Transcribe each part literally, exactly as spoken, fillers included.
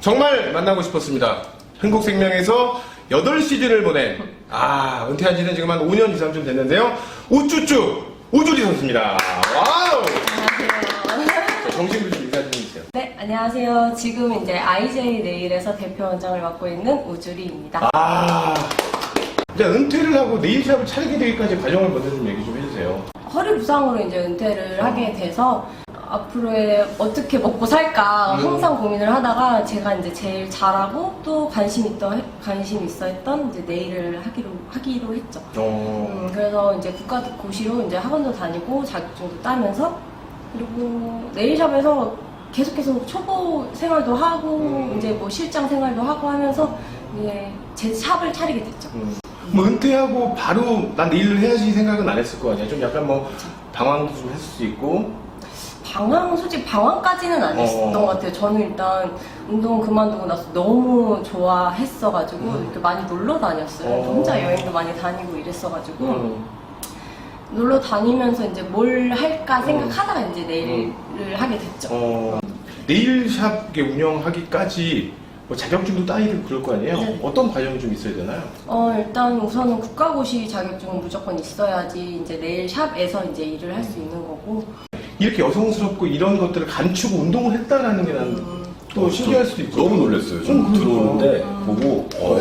정말 만나고 싶었습니다. 한국생명에서 여덟 시즌을 보낸, 아, 은퇴한 지는 지금 한 오 년 이상 좀 됐는데요. 우쭈쭈 우주리 선수입니다. 와우! 안녕하세요. 정식으로 좀 인사 좀 해주세요. 네, 안녕하세요. 지금 이제 아이제이 네일에서 대표원장을 맡고 있는 우주리입니다. 아, 이제 은퇴를 하고 네일샵을 차리게 되기까지 과정을 먼저 좀 얘기 좀 해주세요. 허리 부상으로 이제 은퇴를 하게 돼서 앞으로의 어떻게 먹고 살까 음. 항상 고민을 하다가 제가 이제 제일 잘하고 또 관심 있던 관심 있어 했던 이제 네일을 하기로 하기로 했죠. 어, 음, 그래서 이제 국가고시로 이제 학원도 다니고 자격증도 따면서 그리고 네일샵에서 계속 계속 초보 생활도 하고 음. 이제 뭐 실장 생활도 하고 하면서 이제 제 샵을 차리게 됐죠. 음. 뭐 은퇴하고 바로 난 네일을 해야지 생각은 안 했을 거 아니야. 좀 약간 뭐 방황도 좀 했을 수 있고. 방황, 솔직히 방황까지는 안 했었던 어. 것 같아요. 저는 일단 운동 그만두고 나서 너무 좋아했어가지고 음. 이렇게 많이 놀러 다녔어요. 어. 혼자 여행도 많이 다니고 이랬어가지고 음. 놀러 다니면서 이제 뭘 할까 음. 생각하다가 이제 네일을 하게 됐죠. 어, 네일샵 운영하기까지 뭐 자격증도 따이고 그럴 거 아니에요? 네. 어떤 과정이 좀 있어야 되나요? 어, 일단 우선은 국가고시 자격증은 무조건 있어야지 이제 네일샵에서 이제 일을 할 수 있는 거고. 이렇게 여성스럽고 이런 것들을 감추고 운동을 했다라는 게 난 또 어, 신기할 저 수도 있고. 너무 놀랐어요. 좀 음, 들어오는데 음. 보고 어,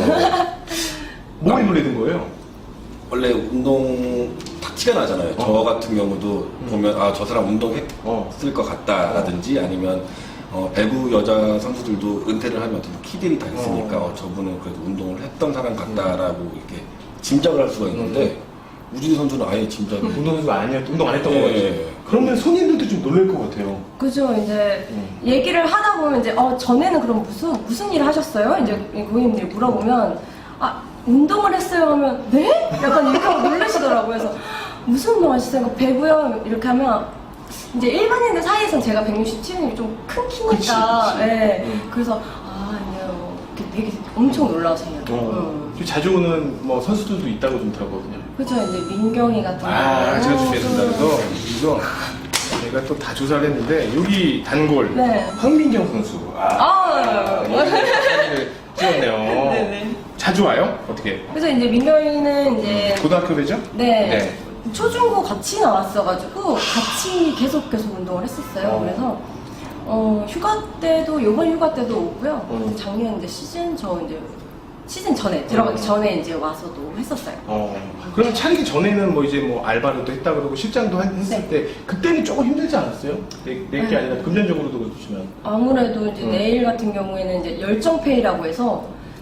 뭐에 놀라는 거예요? 원래 운동 탁 티가 나잖아요. 저 어. 같은 경우도 보면 아 저 사람 운동했을 어. 것 같다라든지 아니면 어, 배구 여자 선수들도 은퇴를 하면 어떤 키들이 다 있으니까 어. 어, 저분은 그래도 운동을 했던 사람 같다라고 이렇게 짐작을 할 수가 있는데 우진희 선수는 아예 짐작이 운동선수가 아니었, 운동 안 했던 예, 거지. 예. 그러면 손님들도 좀 놀랄 것 같아요. 그죠. 이제 음. 얘기를 하다 보면 이제 어 전에는 그럼 무슨 무슨 일을 하셨어요? 이제 고객님들이 물어보면 아 운동을 했어요 하면 네? 약간 이렇게 하고 놀라시더라고요. 그래서 무슨 운동 하셨어요? 배구요 이렇게 하면 이제 일반인들 사이에서는 제가 백육십칠 이 좀 큰 키니까 그치, 그치. 예. 음. 그래서 아 아니요 이렇게 되게 엄청 놀라세요. 어. 음. 자주 오는 뭐 선수들도 있다고 좀 들었거든요. 그죠. 이제 민경이 같은 아, 제가 경우는 준비했습니다. 그래서 이거 제가 또 다 조사를 했는데 여기 단골 네. 황민경 선수. 아, 아, 사진을 찍었네요. 네네. 자주 와요? 어떻게? 그래서 이제 민경이는 이제 고등학교 되죠? 네. 초중고 같이 나왔어가지고 같이 계속 계속 운동을 했었어요. 어. 그래서 어, 휴가 때도 요번 휴가 때도 오고요. 음. 작년 이제 시즌 저 이제 시즌 전에 들어가기 음. 전에 이제 와서도 했었어요. 어. 그러면 차리기 전에는 뭐 이제 뭐 알바로도 했다 그러고 실장도 한- 했을 네. 때 그때는 조금 힘들지 않았어요? 내, 내게 네. 아니라 금전적으로도 그렇지만. 아무래도 이제 음. 네일 같은 경우에는 이제 열정페이라고 해서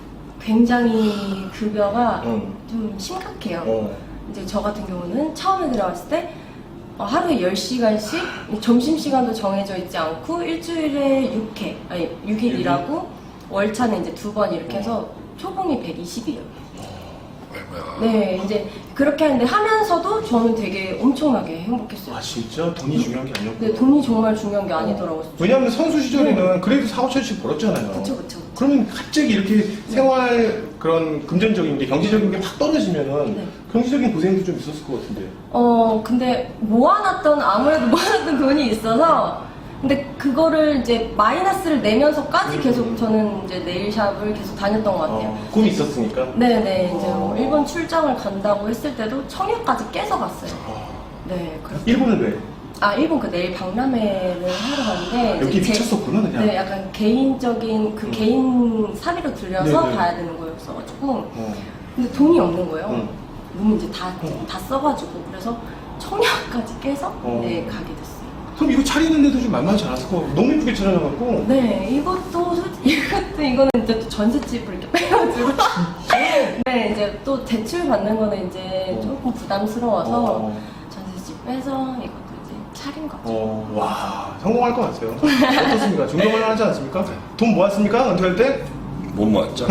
굉장히 급여가 음. 좀 심각해요. 어. 이제 저 같은 경우는 처음에 들어갔을 때 어, 하루에 열 시간씩 점심시간도 정해져 있지 않고 일주일에 육 회, 아니 육 일 일하고 월차는 이제 두 번 이렇게 해서 초봉이 백이십이에요. 아이고야. 네, 이제 그렇게 하는데 하면서도 저는 되게 엄청나게 행복했어요. 아 진짜 돈이 중요한 게 아니었고. 근데 돈이 정말 중요한 게 아니더라고요. 왜냐하면 선수 시절에는 그래도 사오천씩 벌었잖아요. 그쵸, 그쵸. 그러면 갑자기 이렇게 생활 그런 금전적인 게 경제적인 게 확 떨어지면은 네. 경제적인 고생도 좀 있었을 것 같은데. 어, 근데 모아놨던, 아무래도 모아놨던 돈이 있어서, 근데 그거를 이제 마이너스를 내면서까지 계속 저는 이제 네일샵을 계속 다녔던 것 같아요. 어, 꿈이 있었으니까. 네네, 이제 뭐 어. 일본 출장을 간다고 했을 때도 청약까지 깨서 갔어요. 어. 네, 그렇게. 일본은 왜? 아, 일본 그 네일 박람회를 하러 갔는데. 여기 이제 제- 미쳤었구나 그냥. 네, 약간 개인적인 그 음. 개인 사비로 들려서 네네. 가야 되는 거였어가지고. 어. 근데 돈이 없는 거예요. 음. 너무 이제 다, 음. 다 써가지고. 그래서 청약까지 깨서 어. 네, 가게 됐어요. 그럼 이거 차리는데도 좀 만만치 않았을 거. 너무 예쁘게 차려놔갖고. 네, 이것도 솔직히 이것도 이거는 이제 또 전셋집을 이렇게 빼가지고. 네, 이제 또 대출 받는 거는 이제 어. 조금 부담스러워서 어. 전셋집 빼서 이것도 이제 차린 거죠. 어, 와, 성공할 것 같아요. 어떻습니까? 존경할 만하지 않습니까? 돈 모았습니까? 은퇴할 때? 못 모았죠.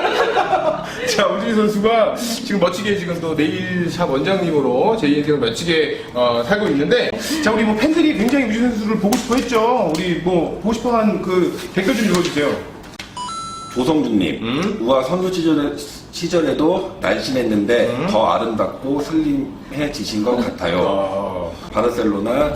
자, 우진희 선수가 지금 멋지게 지금 또 네일샵 원장님으로 제 인생을 멋지게 어, 살고 있는데, 자, 우리 뭐 팬들이 굉장히 우진희 선수를 보고 싶어 했죠. 우리 뭐 보고 싶어 한 그 댓글 좀 읽어주세요. 조성준님, 음? 우와 선수 시절에, 시절에도 날씬했는데 음? 더 아름답고 슬림해지신 것 같아요. 어,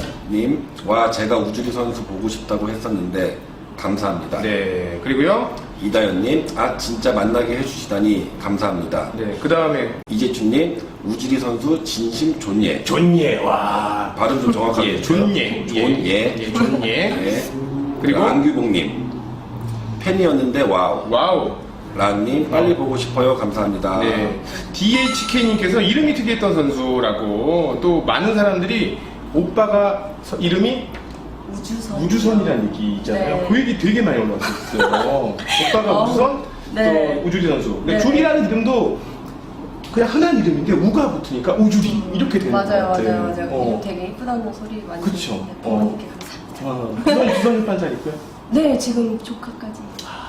바르셀로나님, 와 제가 우주리 선수 보고 싶다고 했었는데 감사합니다. 네, 그리고요. 이다연님, 아 진짜 만나게 해주시다니 감사합니다. 네, 그 다음에 이재춘님, 우지리 선수 진심 존예. 존예. 와. 발음 좀 정확하게 예, 해주세요. 존예. 존예. 예, 존예. 네. 그리고 그리고 안규봉님, 팬이었는데 와우. 와우. 라님, 빨리 보고 싶어요. 감사합니다. 네. 디에이치케이님께서 이름이 특이했던 선수라고 또 많은 사람들이 오빠가 서- 이름이 우주선. 우주선이라는 얘기 있잖아요. 네. 그 얘기 되게 많이 올라왔었어요. 오빠가 어, 우주선, 네. 또 우주리 선수. 근데 네. 줄이라는 이름도 그냥 흔한 이름인데 우가 붙으니까 우주리 이렇게 되는 것 맞아요, 같아요. 맞아요, 맞아요. 어. 이름 되게 이쁘다는 소리 많이 그쵸. 듣는데 어. 부모님께 감사합니다. 아, 우선 우선 출판사 있고요. 네, 지금 조카까지.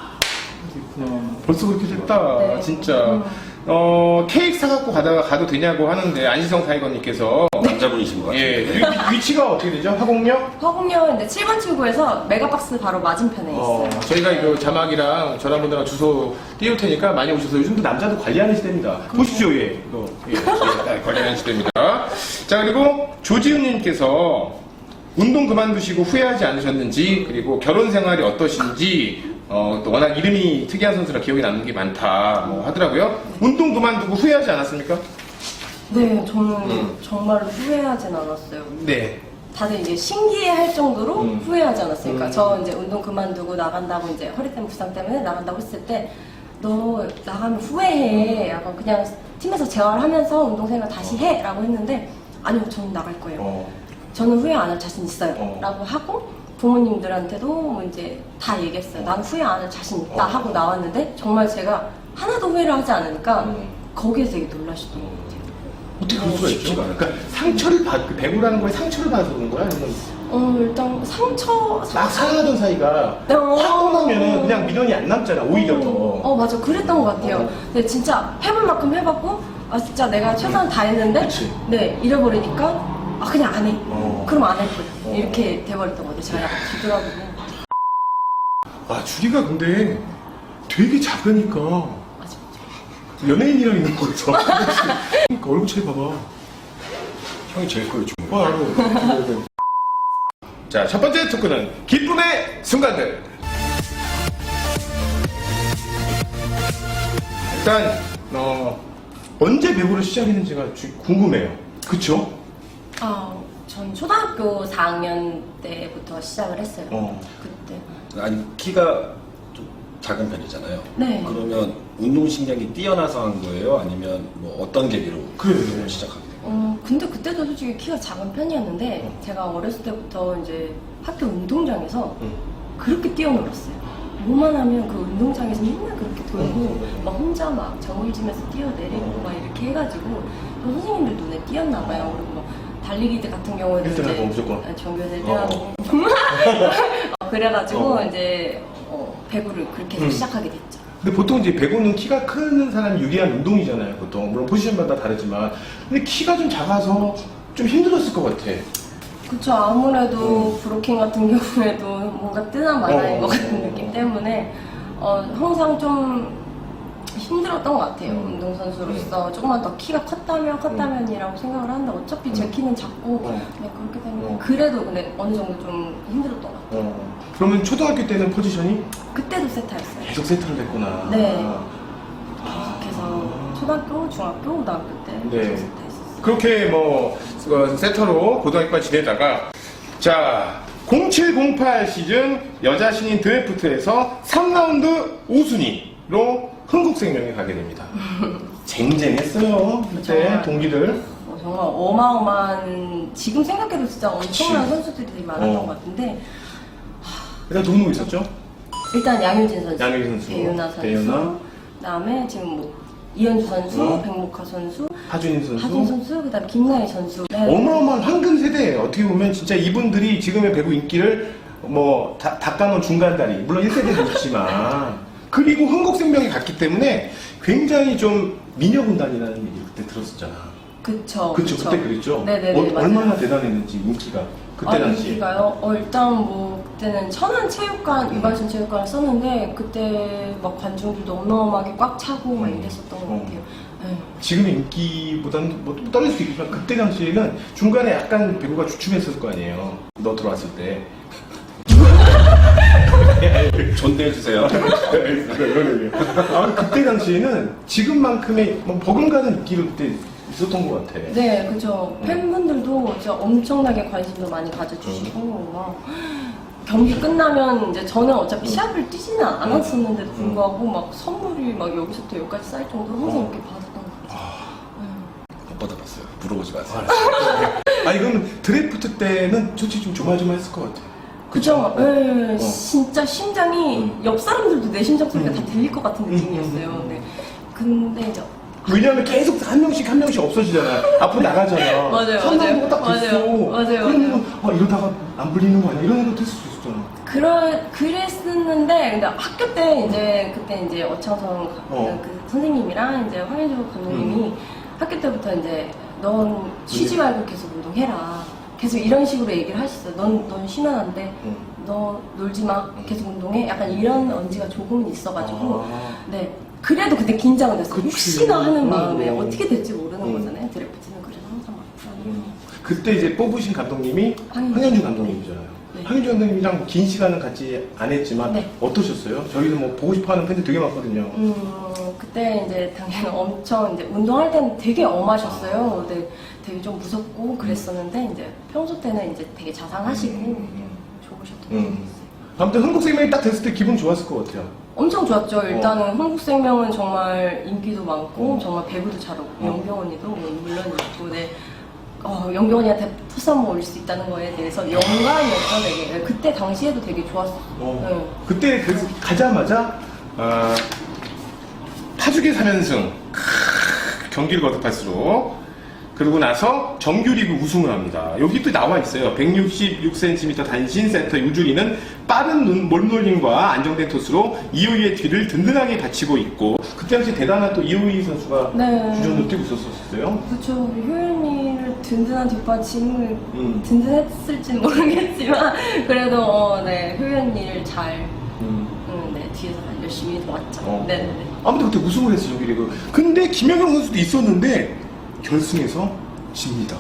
벌써 그렇게 됐다. 네. 진짜. 음. 어, 케이크 사갖고 가다가 가도 되냐고 하는데 안시성 타이거님께서 남자분이신 것 같아요. 예, 위, 위치가 어떻게 되죠? 화곡역? 화곡역인데 칠 번 출구에서 메가박스 바로 맞은편에 어, 있어요. 저희가 이거 자막이랑 전화번호랑 주소 띄울 테니까 많이 오셔서 요즘도 남자도 관리하는 시대입니다. 보십시오, 예. 이거, 예, 예, 관리하는 시대입니다. 자, 그리고 조지은님께서 운동 그만두시고 후회하지 않으셨는지, 그리고 결혼 생활이 어떠신지, 어, 또 워낙 이름이 특이한 선수라 기억에 남는 게 많다, 뭐 하더라고요. 운동 그만두고 후회하지 않았습니까? 네, 저는 음. 정말로 후회하진 않았어요. 네. 다들 이제 신기해할 정도로 음. 후회하지 않았으니까 음. 저 이제 운동 그만두고 나간다고 이제 허리 때문에 부상 때문에 나간다고 했을 때 너 나가면 후회해. 약간 그냥 팀에서 재활하면서 운동생활 다시 해라고 했는데 아니요, 저는 나갈 거예요. 어, 저는 후회 안 할 자신 있어요. 어. 라고 하고 부모님들한테도 뭐 이제 다 얘기했어요. 난 후회 안 할 자신 있다 어. 하고 나왔는데 정말 제가 하나도 후회를 하지 않으니까 음. 거기에 되게 놀라시던 것 같아요. 어떻게 그럴 수가 있죠? 쉽지가 않아요. 그러니까 상처를 받, 그 배구라는 거에 상처를 받아서 그런 거야? 아니면 어, 일단 상처, 막 사랑하던 사이가 네, 어. 확 떠나면은 그냥 민원이 안 남잖아, 오히려 더. 어, 맞아. 그랬던 것 같아요. 어. 근데 진짜 해볼 만큼 해봤고, 아, 진짜 내가 최선을 다했는데, 그치. 네, 잃어버리니까, 아, 그냥 안 해. 어. 그럼 안 할 거야. 어. 이렇게 돼버렸던 것 같아요. 제가 약간 뒤돌아보고. 아, 주리가 근데 되게 작으니까 맞아, 연예인이랑 있는 거 같아. 그러니까 얼굴 차이 봐봐. 형이 제일 커요, 지금. 와, 알아. 자, 첫 번째 토크는 기쁨의 순간들. 일단 어, 언제 배구를 시작했는지가 주- 궁금해요. 그쵸? 아, 전 초등학교 사 학년 때부터 시작을 했어요. 어. 그때. 아니, 키가 좀 작은 편이잖아요. 네. 그러면 운동신경이 뛰어나서 한 거예요? 아니면 뭐 어떤 계기로 그래. 시작하게 된 거예요? 어, 근데 그때도 솔직히 키가 작은 편이었는데, 어. 제가 어렸을 때부터 이제 학교 운동장에서 응. 그렇게 뛰어놀았어요. 뭐만 하면 그 운동장에서 맨날 그렇게 돌고 음. 막 혼자 막 정글짐에서 뛰어내리고 막 이렇게 해가지고 또 선생님들 눈에 띄었나 봐요. 그리고 막 달리기 같은 경우에는 일 등 하고 무조건. 네, 전교에서 일 등 어. 하고 어, 그래가지고 어. 이제 어, 배구를 그렇게 해서 음. 시작하게 됐죠. 근데 보통 이제 배구는 키가 큰 사람이 유리한 운동이잖아요, 보통. 물론 포지션마다 다르지만. 근데 키가 좀 작아서 좀 힘들었을 것 같아. 그쵸. 아무래도 브로킹 같은 경우에도 뭔가 뜬한 만화인 어. 것 같은 느낌 때문에 어, 항상 좀 힘들었던 것 같아요. 음. 운동선수로서 조금만 더 키가 컸다면 컸다면이라고 생각을 하는데 어차피 제 음. 키는 작고 어. 그냥 그렇기 때문에 어. 그래도 근데 어느 정도 좀 힘들었던 것 같아요. 어. 그러면 초등학교 때는 포지션이 그때도 세타였어요. 계속 세트를 했구나. 네. 아. 계속해서 초등학교, 중학교, 고등학교 때 네. 계속 세타했었어요. 그렇게 뭐 어, 세터로 고등학교까지 지내다가 자 공칠공팔 시즌 여자 신인 드래프트에서 삼 라운드 오 순위로 흥국생명에 가게 됩니다. 쟁쟁했어요 그때 정말. 동기들. 어, 정말 어마어마한 지금 생각해도 진짜 엄청난 그치. 선수들이 되게 많았던 어. 것 같은데 일단 누구 누구 있었죠? 일단 양효진 선수, 양효진 선수, 배윤아 선수, 배윤아. 그다음에 지금 뭐 이현주 선수, 어. 백목화 선수, 하준인 선수. 하진 선수, 그다음 에 김나희 선수. 네. 어마어마한 황금 세대예요. 어떻게 보면 진짜 이분들이 지금의 배구 인기를 뭐 다- 닦아놓은 중간다리, 물론 일 세대도 있지만 그리고 흥국생명이 갔기 때문에 굉장히 좀 미녀군단이라는 얘기를 그때 들었었잖아. 그쵸. 그쵸, 그때 그랬죠? 네네네. 어, 맞아요. 얼마나 대단했는지 인기가 그때 아, 당시에. 인기가요? 어, 일단 뭐 그때는 천안체육관, 유발선 체육관을 썼는데 그때 막 관중들도 어마어마하게 꽉 차고 막 음. 이랬었던 것 어. 같아요. 네. 지금의 인기보다는 뭐 떨릴 수 있겠지만 그때 당시에는 중간에 약간 배구가 주춤했을 거 아니에요. 너 들어왔을 때. 존대해주세요. 이런 얘기. 아, 그때 당시에는 지금만큼의 뭐 버금가는 인기를 그때 있었던 것 같아. 네, 그죠. 팬분들도 진짜 엄청나게 관심도 많이 가져주시고, 막 경기 끝나면 이제 저는 어차피 시합을 뛰지는 않았었는데도 불구하고 막 선물이 막 여기서부터 여기까지 쌓일 정도로 항상 이렇게 받았던 것 같아요. 못 받아봤어요. 물어보지 마세요. 아니, 그럼 드래프트 때는 솔직히 좀 조마조마했을 것 같아. 그죠? 네, 어. 진짜 심장이 옆 사람들도 내 심장 소리가 다 들릴 것 같은 느낌이었어요. 네. 근데 이제 왜냐하면 계속 한 명씩 한 명씩 없어지잖아. 앞으로 나가잖아. 맞아요, 선수가 딱 맞아요. 됐어. 맞아요, 맞아요, 그러면 아, 이러다가 안 불리는 거 아니야? 이런 생각도 했을 수 있었잖아. 그러, 그랬었는데, 근데 학교 때 이제, 그때 이제 어창성 어. 그 선생님이랑 이제 황현주 감독님이 학교 때부터 이제, 넌 쉬지 말고 계속 운동해라. 계속 이런 식으로 얘기를 하셨어요. 넌, 넌 쉬면 안 돼. 응. 너 놀지 마. 계속 운동해. 약간 이런 언지가 조금은 있어가지고, 아. 네. 그래도 그때 긴장을 했어요. 그치. 혹시나 하는 마음에 음. 어떻게 될지 모르는 음. 거잖아요. 드래프트는 그래서 항상 막 불안해요. 그때 이제 뽑으신 감독님이 황현주. 황현주 감독님이잖아요. 네. 황현주 감독님이랑 긴 시간은 같이 안 했지만 네. 어떠셨어요? 저희는 뭐 보고 싶어하는 팬들 되게 많거든요. 음, 그때 이제 당연히 엄청 이제 운동할 때는 되게 엄하셨어요. 근데 되게 좀 무섭고 그랬었는데 이제 평소 때는 이제 되게 자상하시고 좋으셨던 것 음. 같아요. 아무튼 한국생명이 딱 됐을 때 기분 좋았을 것 같아요. 엄청 좋았죠. 일단은 어. 한국생명은 정말 인기도 많고 어. 정말 배구도 잘하고 어. 영경 언니도 물론 있고 네. 어, 영경 언니한테 토스 한번 올릴 수 있다는 거에 대해서 영광이었죠. 되게 네, 그때 당시에도 되게 좋았어요. 어. 네. 그때 그래서 가자마자 아, 파죽의 삼 연승 경기를 거듭할수록 그러고 나서 정규리그 우승을 합니다. 여기 또 나와 있어요. 백육십육 센티미터 단신 세터 유주리는 빠른 눈, 몸놀림과 안정된 토스로 이호이의 뒤를 든든하게 받치고 있고 그때 당시 대단한 또 이호이 선수가 네. 주전으로 뛰고 있었어요. 그렇죠. 효연이를 든든한 뒷받침을 음. 든든했을지는 모르겠지만 그래도 어, 네 효연이를 잘 음. 음, 네, 뒤에서 열심히 도왔죠. 어. 네네네. 아무튼 그때 우승을 했어 정규리그. 근데 김연경 선수도 있었는데 결승에서 집니다.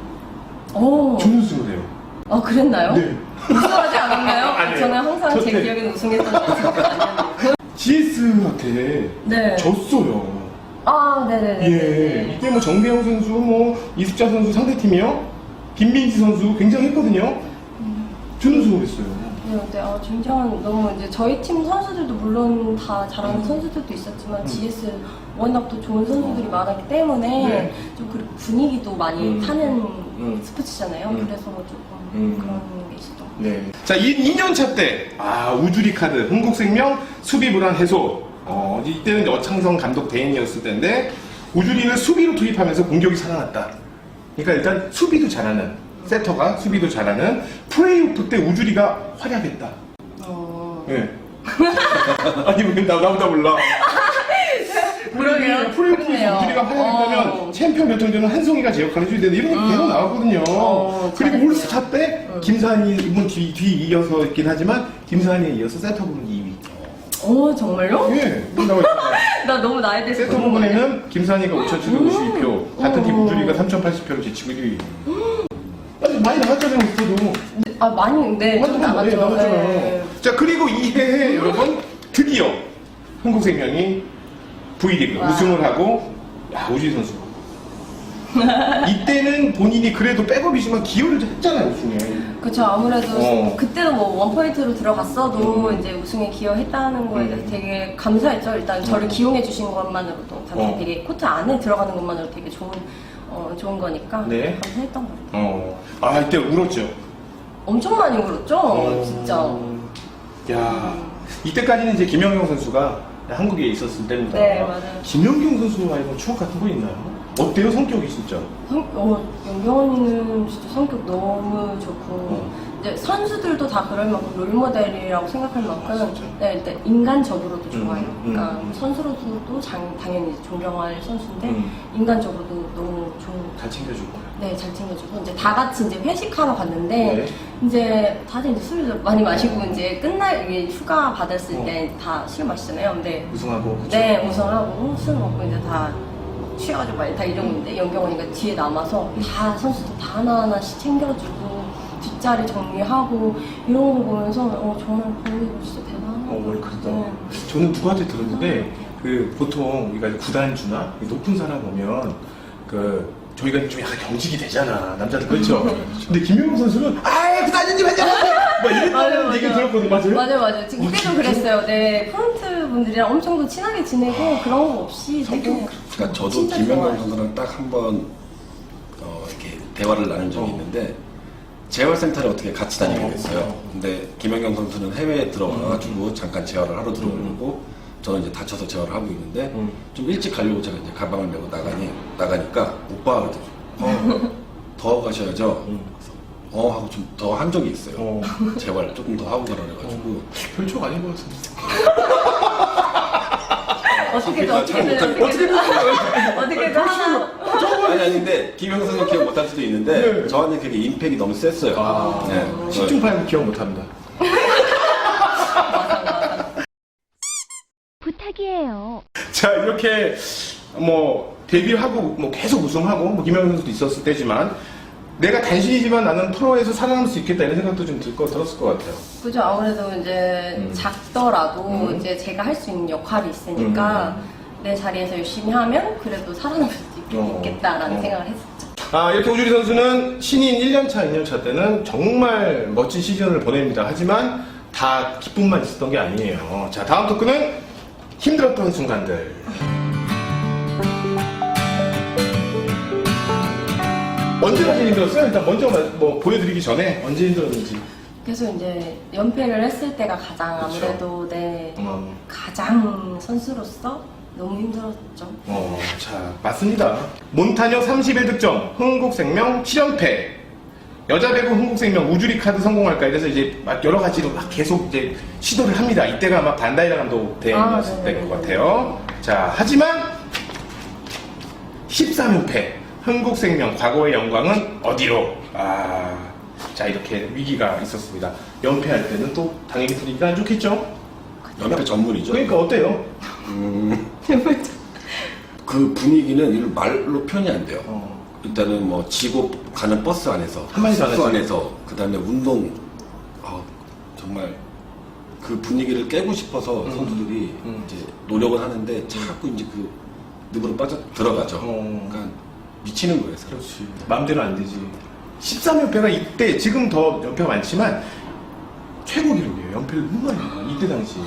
오. 준우승을 해요. 아 그랬나요? 네. 우승하지 않았나요? 아니에요. 저는 항상 제 저때- 기억에는 우승했던 것 같아요. 지에스한테 네. 졌어요. 아 네네네. 예. 이때 뭐 정대영 선수, 뭐 이숙자 선수 상대팀이요. 김민지 선수 굉장했거든요. 준우승을 했어요. 네, 근데 아, 굉장한 너무 이제 저희 팀 선수들도 물론 다 잘하는 음. 선수들도 있었지만 음. 지에스 워낙 또 좋은 선수들이 많았기 때문에 네. 좀 그 분위기도 많이 음. 타는 음. 스포츠잖아요. 음. 그래서 조금 음. 그런 게 있었던 것 같아요. 네. 자, 이 이 년 차 때, 아, 우주리 카드, 흥국생명 수비 불안 해소. 어, 이때는 이제 어창성 감독 대행이었을 때인데, 우주리는 수비로 투입하면서 공격이 살아났다. 그러니까 일단 수비도 잘하는, 세터가 수비도 잘하는, 플레이오프 때 우주리가 활약했다. 어... 예. 아니, 왜 나, 나보다 몰라. 그러게요. 프로야구에서 그러네요. 우주리가 활약했다면 어. 챔피언 결정전은 한송이가 제 역할을 해줘야 되는데 이런 게 계속 나왔거든요. 어, 그리고 잘했어요. 올스타 때 김산이 이분 뒤, 뒤 이어서 있긴 하지만 김산이에 이어서 세터 부분 이 위. 어 정말요? 예, 여기 나와 있어요. 나 너무 나에 대해서 세터 모르는 거 아니야? 부분에는 김산이가 오천칠백오십이 표, 같은 팀 음. 우주리가 삼천팔십 표로 제치고 일 위. 아니, 많이 나갔잖아요, 그때도. 아 많이 네, 좀 나갔죠. 네, 나갔잖아요. 네. 자, 그리고 이 해에 여러분 드디어 한국생명이 V리그 와. 우승을 하고, 야, 우주리 선수. 이때는 본인이 그래도 백업이지만 기여를 좀 했잖아요, 우승에. 그렇죠. 아무래도 어. 그때도 뭐 원포인트로 들어갔어도 음. 이제 우승에 기여했다는 거에 대해서 음. 되게 감사했죠. 일단 저를 기용해 주신 것만으로도 당연히 어. 되게 코트 안에 들어가는 것만으로 되게 좋은 어, 좋은 거니까 네. 감사했던 것 같아요. 어. 아, 이때 울었죠. 엄청 많이 울었죠. 어. 진짜. 야, 이때까지는 이제 김연경 선수가 한국에 있었을 때입니다. 네, 맞아요. 김연경 선수와의 뭐 추억 같은 거 있나요? 어때요, 성격이 진짜? 성, 어, 영경언니는 진짜 성격 너무 좋고 어. 이제 선수들도 다 그럴 만큼 롤모델이라고 생각할 만큼 아, 진짜? 네, 일단 인간적으로도 좋아요. 음, 그러니까 음. 선수로서도 장, 당연히 존경할 선수인데 음. 인간적으로도 너무 좋은. 잘 챙겨주고. 네, 잘 챙겨주고 이제 다 같이 이제 회식하러 갔는데 네. 이제 다들 이제 술을 많이 마시고 이제 끝날 이게 휴가 받았을 어. 때 다 술 마시잖아요. 근데 우승하고. 그쵸? 네, 우승하고 술 먹고 이제 다 취해가지고 많이 다 이러고 있는데 연경 언니가 뒤에 남아서 다 선수들 다 하나하나씩 챙겨주고 뒷자리 정리하고 이런 거 보면서 어, 정말 감독님 진짜 대단한 거 어, 같아요. 월클다. 네. 저는 누구한테 들었는데, 그, 보통, 우리가 구단주나 높은 사람 오면, 그, 저희가 좀 약간 경직이 되잖아. 남자들, 그렇죠? 근데 김영웅 선수는, 아이, 구단주님 하잖아! 막 맞아요, 이랬다는 얘기 맞아요. 들었거든, 맞아요? 맞아요, 맞아요. 지금 어, 그때도 진짜? 그랬어요. 네, 프런트 분들이랑 엄청 더 친하게 지내고 그런 거 없이 되게. 그러니까 저도 진짜 김영관 좋아요. 선수랑 딱 한 번 어, 이렇게 대화를 나눈 적이 어. 있는데 재활센터를 어떻게 같이 다니게 됐어요. 어. 근데 김연경 선수는 해외에 들어가가지고 음. 잠깐 재활을 하러 들어오고 저는 이제 다쳐서 재활을 하고 있는데 음. 좀 일찍 가려고 제가 이제 가방을 메고 나가니 나가니까 오빠가 그러더라고요. 어, 더 가셔야죠. 음. 그래서 어 하고 좀 더 한 적이 있어요. 어. 재활 조금 더 하고 가라 그래가지고 별초가 아닌 것 같은데. 어떻게든 아, 잘 어떻게든 못하겠다. 어떻게든 어떻게든 하나. 아니 아닌데 김영선 선수 기억 못할 수도 있는데 네. 저한테 그게 임팩이 너무 셌어요. 아, 네. 십중팔구 기억 못합니다. 부탁이에요. 자, 이렇게 뭐 데뷔하고 뭐 계속 우승하고 뭐 김영현 선수도 있었을 때지만 내가 단신이지만 나는 프로에서 살아남을 수 있겠다 이런 생각도 좀 들 거 들었을 것 같아요. 그죠. 아무래도 이제 음. 작더라도 음. 이제 제가 할 수 있는 역할이 있으니까 내 자리에서 열심히 하면 그래도 살아남을 수 있- 어. 있겠다라는 어. 생각을 했었죠. 아, 이렇게 우주리 선수는 신인 일 년차, 이 년차 때는 정말 멋진 시즌을 보냅니다. 하지만 다 기쁨만 있었던 게 아니에요. 자, 다음 토크는 힘들었던 순간들. 언제가 제일 힘들었어요? 일단 먼저 뭐 보여드리기 전에 언제 힘들었는지. 그래서 이제 연패를 했을 때가 가장 그쵸. 아무래도 내 어. 가장 선수로서 너무 힘들었죠. 어, 자, 맞습니다. 몬타뇨 삼십일 득점, 흥국생명 칠 연패. 여자 배구 흥국생명 우주리 카드 성공할까 이래서 이제 막 여러 가지로 막 계속 이제 시도를 합니다. 이때가 아마 반다이라 감독 대행이었을 아, 때인 네네네. 것 같아요. 자, 하지만 십삼 연패. 흥국생명 과거의 영광은 어디로? 아, 자, 이렇게 위기가 있었습니다. 연패할 때는 또 당연히 분위기가 안 좋겠죠? 연패 전문이죠. 그러니까 어때요? 음, 그 분위기는 이걸 말로 표현이 안 돼요. 어. 일단은 뭐 지고 가는 버스 안에서, 한마디도 안 숙소 하지. 안에서, 그 다음에 운동, 아, 정말 그 분위기를 깨고 싶어서 음. 선수들이 음. 이제 노력을 하는데 자꾸 이제 그 늪으로 빠져 들어가죠. 어. 그러니까 미치는 거예요. 사람. 그렇지. 마음대로 안 되지. 십삼 연패가 이때, 지금 더 연패가 많지만, 최고 기록이에요. 연패를 너무 많이 해요. 이때 당시에.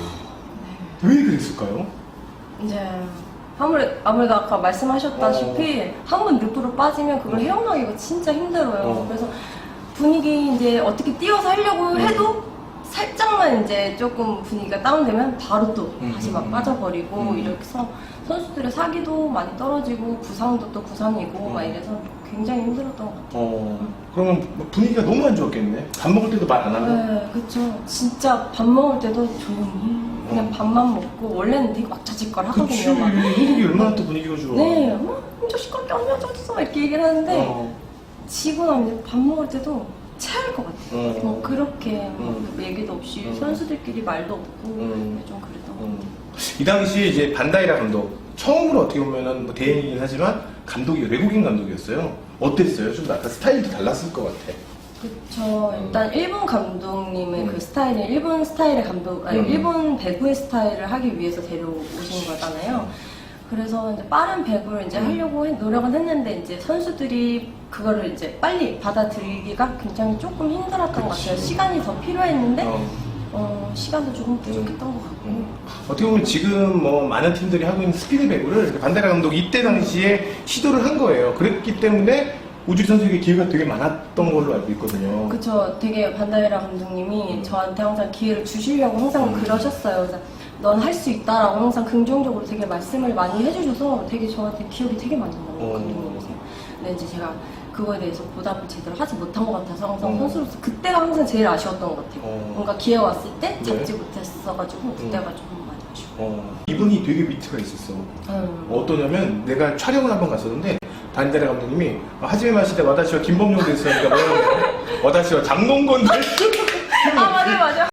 왜 그랬을까요? 이제 아무래도, 아무래도 아까 말씀하셨다시피 한 번 늪으로 빠지면 그걸 헤어나기가 진짜 힘들어요. 어. 그래서 분위기 이제 어떻게 띄워서 하려고 음. 해도 살짝만 이제 조금 분위기가 다운되면 바로 또 음, 다시 음, 막 음. 빠져버리고 음. 이래서 선수들의 사기도 많이 떨어지고 부상도 또 부상이고 음. 막 이래서 굉장히 힘들었던 것 같아요. 어, 그러면 뭐 분위기가 너무 안 좋았겠네. 밥 먹을 때도 말 안 하고. 네, 그쵸. 진짜 밥 먹을 때도 조용히 그냥 어. 밥만 먹고 원래는 되게 막자지껄 그치. 하거든요. 막. 한국이 얼마나 또 분위기가 좋아. 네, 뭐, 저 시끄럽게 얼마나 졌어 이렇게 얘기를 하는데 어. 지고 나면 이제 밥 먹을 때도 체할 것 같아요. 어. 뭐 그렇게 뭐 음. 얘기도 없이 음. 선수들끼리 말도 없고 음. 좀 그랬던 것 음. 같아요. 이 당시에 이제 반다이라 감독, 처음으로 어떻게 보면은 뭐 대행이긴 하지만 감독이 외국인 감독이었어요. 어땠어요? 좀 약간 스타일도 달랐을 것 같아. 그쵸. 일단 일본 감독님의 음. 그 스타일이 일본 스타일의 감독, 아니 음. 일본 배구의 스타일을 하기 위해서 데려오신 거잖아요. 그래서 이제 빠른 배구를 이제 음. 하려고 해- 노력은 했는데 이제 선수들이 그거를 이제 빨리 받아들이기가 굉장히 조금 힘들었던 것 그치. 같아요. 시간이 더 필요했는데 어. 어, 시간도 조금 부족했던 것 같고. 음. 어떻게 보면 지금 뭐 많은 팀들이 하고 있는 스피드 배구를 반다이라 감독이 이때 당시에 시도를 한 거예요. 그랬기 때문에 우주리 선수에게 기회가 되게 많았던 걸로 알고 있거든요. 그쵸. 되게 반다이라 감독님이 음. 저한테 항상 기회를 주시려고 항상 음. 그러셨어요. 그래서 넌 할 수 있다라고 항상 긍정적으로 되게 말씀을 많이 해주셔서 되게 저한테 기억이 되게 많이 나는 어. 감독님이세요. 근데 이제 제가 그거에 대해서 보답을 제대로 하지 못한 것 같아서 항상 어. 선수로서 그때가 항상 제일 아쉬웠던 것 같아요. 어. 뭔가 기회가 왔을 때 잡지 네. 못했어가지고 그때가 조금 많이 아쉬워. 어. 이분이 되게 위트가 있었어. 음. 어떠냐면 내가 촬영을 한번 갔었는데 반다이라 감독님이 하지메 마시대 와다시와 김범용 됐으니까 뭐야 와다시와 장동건 됐어. 아 맞아요 맞아요.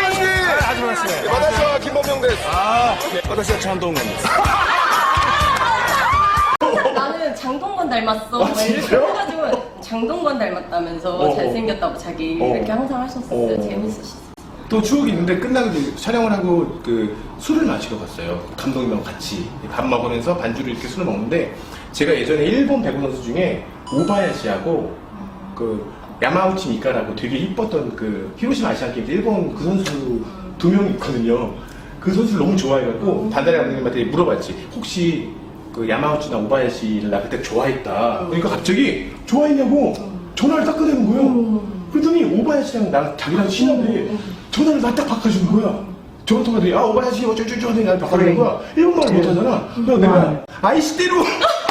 하지마시 와다시와 김범용 됐어. 아 와다시와 장동건 됐어. 나는 장동건 닮았어. 막 이렇게 진짜요? 해가지고 장동건 닮았다면서 어, 어. 잘생겼다고 자기 어. 이렇게 항상 하셨었어요. 어. 재밌으시죠. 또 추억이 있는데 끝나고 이제 촬영을 하고 그 술을 마시러 갔어요. 감독님하고 같이 밥 먹으면서 반주로 이렇게 술을 먹는데 제가 예전에 일본 배구 선수 중에 오바야시하고 그 야마우치 미카라고 되게 이뻤던 그 히로시마 아시안 게임 때 일본 그 선수 두 명 있거든요. 그 선수를 너무 좋아해갖고 단다리 감독님한테 물어봤지. 혹시 그 야마우치나 오바야시를 나 그때 좋아했다. 그러니까 갑자기 좋아했냐고 전화를 딱 꺼내는 거예요. 그러더니 오바야시랑 나 자기랑 친한데 전화를 나 딱 바꿔주는 거야. 전화 통화더니 아 오바야시 어쩌저쩌 하더니 나를 바꿔주는 거야. 일본말을 못하잖아. 그래서 내가 아이시대로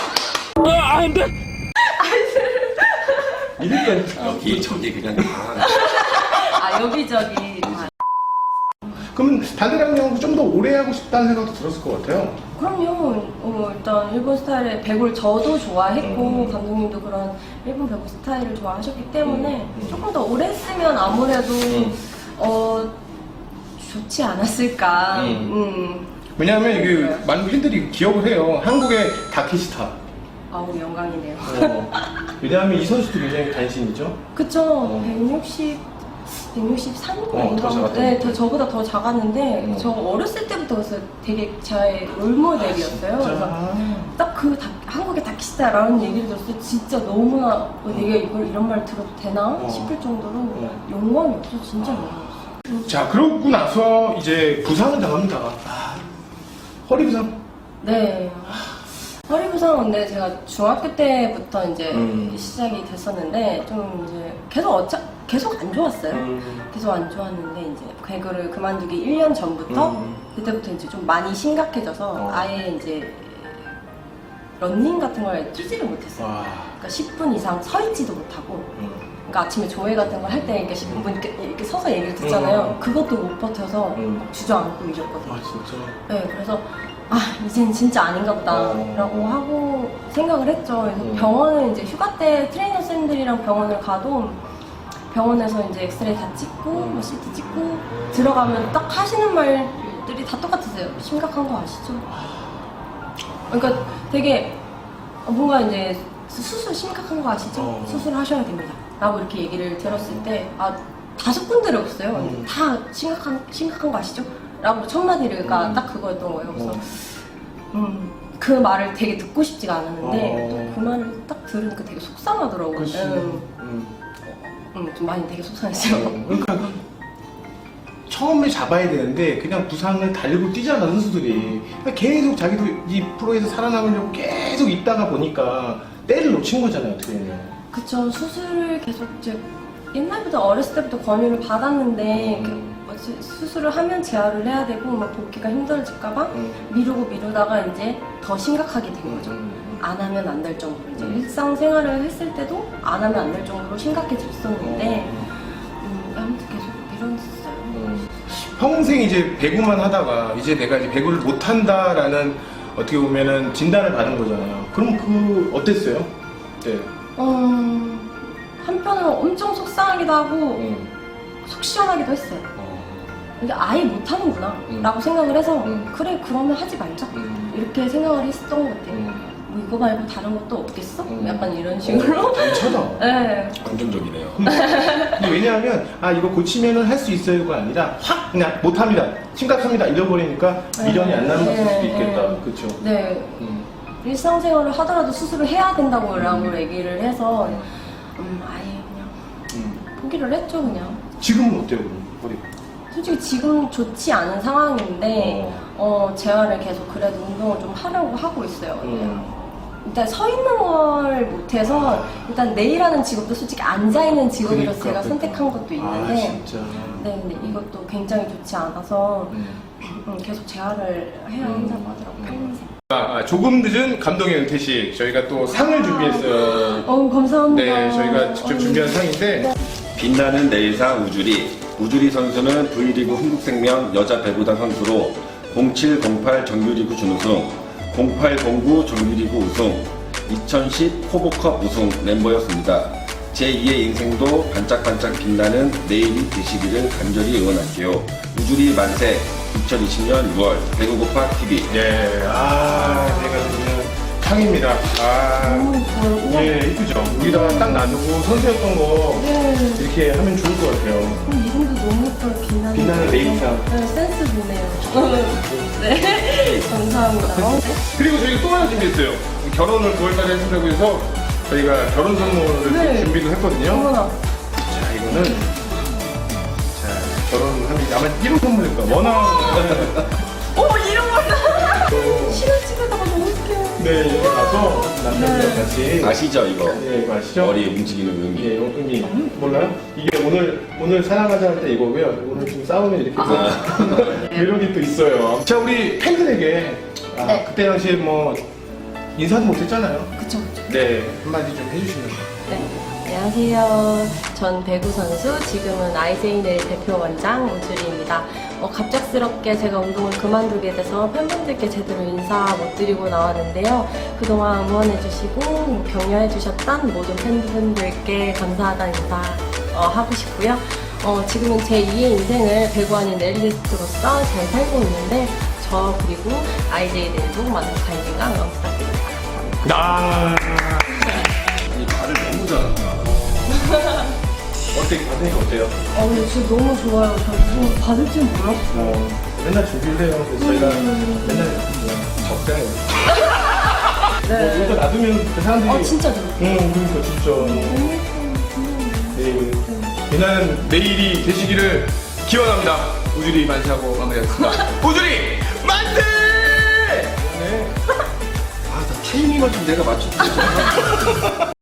이랬다니까. 여기 저기 그냥 다 아 여기저기 다. 그러면 단대랑님하고 좀 더 오래 하고 싶다는 생각도 들었을 것 같아요. 그럼요. 어, 일단 일본 스타일의 배구를 저도 좋아했고 음. 감독님도 그런 일본 배구 스타일을 좋아하셨기 때문에 음, 음. 조금 더 오래 했으면 아무래도 음. 어 좋지 않았을까. 음. 음. 왜냐하면 이게 많은 팬들이 기억을 해요. 한국의 다케시타. 아우 영광이네요. 어, 왜냐하면 이 선수도 굉장히 단신이죠. 그쵸. 어. 백육십, 백육십삼? 어, 더 작았던 네, 것 더, 저보다 더 작았는데, 음. 저 어렸을 때부터 그래서 되게 제 롤모델이었어요. 그래서 딱 그 한국의 다키스타라는 얘기를 들었을 때 진짜 너무나 어, 내가 이걸 이런 말 들어도 되나 어. 싶을 정도로 어. 영광이었어. 진짜 영광이었어. 자, 그러고 나서 이제 부상을 당합니다. 아, 허리 부상. 네. 허리 부상은 근데 제가 중학교 때부터 이제 음. 시작이 됐었는데 좀 이제 계속 어차 계속 안 좋았어요. 음. 계속 안 좋았는데 이제 배구를 그만두기 일 년 전부터 음. 그때부터 이제 좀 많이 심각해져서 어. 아예 이제 런닝 같은 걸 뛰지를 못했어요. 와. 그러니까 십 분 이상 서 있지도 못하고 음. 그러니까 아침에 조회 같은 걸 할 때 이렇게 십 분 이렇게, 이렇게 서서 얘기를 듣잖아요. 음. 그것도 못 버텨서 음. 막 주저앉고 이랬거든요. 아, 진짜. 네, 그래서 아 이젠 진짜 아닌가 보다라고 어. 하고 생각을 했죠. 그래서 음. 병원을 이제 휴가 때 트레이너 쌤들이랑 병원을 가도 병원에서 이제 엑스레이 다 찍고 음. 뭐 씨티 찍고 들어가면 딱 하시는 말들이 다 똑같으세요. 심각한 거 아시죠? 그러니까 되게 뭔가 이제 수술 심각한 거 아시죠? 어. 수술하셔야 됩니다. 라고 이렇게 얘기를 들었을 때 아 다섯 군데를 없어요. 음. 다 심각한 심각한 거 아시죠? 라고 첫 마디가 음. 딱 그거였던 거예요. 그래서 어. 음, 그 말을 되게 듣고 싶지가 않았는데 어. 또 그 말을 딱 들으니까 되게 속상하더라고요. 그치. 음, 음. 음, 좀 많이 되게 속상했어요. 어, 그러니까 처음에 잡아야 되는데 그냥 부상을 달고 뛰잖아 선수들이. 그러니까 계속 자기도 이 프로에서 살아남으려고 계속 있다가 보니까 때를 놓친 거잖아요 어떻게 보면. 그쵸. 수술을 계속 이제 옛날부터 어렸을 때부터 권유를 받았는데 음. 그 뭐지, 수술을 하면 재활을 해야 되고 막 복귀가 힘들어질까봐 음. 미루고 미루다가 이제 더 심각하게 된 거죠. 안 하면 안 될 정도로 이제 음. 일상생활을 했을 때도 안 하면 안 될 정도로 심각해졌었는데 음, 아무튼 계속 미뤘어요. 음. 평생 이제 배구만 하다가 이제 내가 이제 배구를 못 한다라는 어떻게 보면은 진단을 받은 거잖아요. 그럼 그 어땠어요? 네. 어, 한편으로 엄청 속상하기도 하고 음. 속 시원하기도 했어요. 어. 이게 아예 못하는구나 음. 라고 생각을 해서 음. 그래 그러면 하지 말자 음. 이렇게 생각을 했었던 것 같아요. 음. 뭐 이거 말고 다른 것도 없겠어? 음. 약간 이런 식으로. 괜찮아. 네. 긍정적이네요. 근데 왜냐하면 아 이거 고치면은 할 수 있어요가 아니라 확 그냥 못합니다 심각합니다 잃어버리니까 미련이 안 남을 네, 수도 있겠다. 네. 그렇죠. 네. 음. 일상생활을 하더라도 수술을 해야 된다고 라고 음. 얘기를 해서 음, 아예 그냥 음. 포기를 했죠 그냥. 지금은 어때요 그럼 허리? 솔직히 지금 좋지 않은 상황인데 어, 재활을 계속 그래도 운동을 좀 하려고 하고 있어요. 음. 일단 서 있는 걸 못해서 일단 네일하는 직업도 솔직히 앉아 있는 직업이라서 그러니까, 제가 선택한 것도 아 있는데 진짜. 네 근데 이것도 굉장히 좋지 않아서 음. 음, 계속 재활을 해야 음. 한다고 하더라고요. 평생. 아, 아, 조금 늦은 감동의 은퇴식 저희가 또 상을 준비했어요. 어 감사합니다. 네, 저희가 직접 어, 준비한 상인데 빛나는 내일상 우주리. 우주리 선수는 V리그 흥국생명 여자 배구단 선수로 공칠 공팔 정규리그 준우승, 공팔 공구 정규리그 우승, 이천십 호보컵 우승 멤버였습니다. 제이의 인생도 반짝반짝 빛나는 내일이 되시기를 간절히 응원할게요. 우주리 만세. 이천이십 년 유월 배구고파 티비. 네, 아, 제가 그러면 상입니다. 아, 너무 예뻐요. 우와. 예, 이쁘죠? 여기다가 딱 놔두고 선수였던 거 네. 이렇게 하면 좋을 것 같아요. 음, 이름도 너무 예뻐요. 빛나는. 빛나는 레이상. 네, 센스 보네요. 네. 감사합니다. 어, 그리고 저희가 또 하나 준비했어요. 결혼을 구월달에 하신다고 해서 저희가 결혼 선물을 네. 또 준비를 했거든요. 어머나. 자, 이거는 자, 결혼하면 아마 일 호 선물일 거야. 워낙 어머, 이런 거다. 또 시간집에다가 너무 웃겨요. 네, 이렇게 가서 남편들 네. 같이 아시죠 이거? 예, 이거 아시죠? 머리 움직이는 의미. 예, 요 의미 몰라요? 이게 오늘 오늘 사랑하자 할 때 이거고요. 오늘 좀 싸우면 이렇게 또 이런 게 또 있어요. 자, 우리 팬들에게 아, 네. 그때 당시에 뭐 인사도 못했잖아요. 그쵸, 그쵸. 네, 한마디 좀 해주시면. 네. 안녕하세요. 전 배구 선수, 지금은 아이제이네일 대표 원장 우주리입니다. 어, 갑작스럽게 제가 운동을 그만두게 돼서 팬분들께 제대로 인사 못 드리고 나왔는데요. 그동안 응원해주시고 격려해주셨던 모든 팬분들께 감사하다는 인사 어, 하고 싶고요. 어, 지금은 제이의 인생을 배구 아닌 넬리스트로서 잘 살고 있는데 저 그리고 아이제이네일도 많은 관심과 응원 부탁드립니다. 아, 이 말을 너무 잘한다. 어떻게 받으니까 어때요? 어, 근데 진짜 너무 좋아요. 저 무슨 받을 줄 몰랐어요. 어, 맨날 준비를 해요. 그래서 저희가 음. 맨날 그냥 적당해요. 네. 뭐, 여기다 놔두면 그 사람들이. 어, 진짜 좋아요. 응, 그러니까 진짜. 네, 비나는 내일이 되시기를 기원합니다. 우주리 만세하고 마무리하겠습니다. 우주리 만세! 아, 나 타이밍을 좀 내가 맞췄지.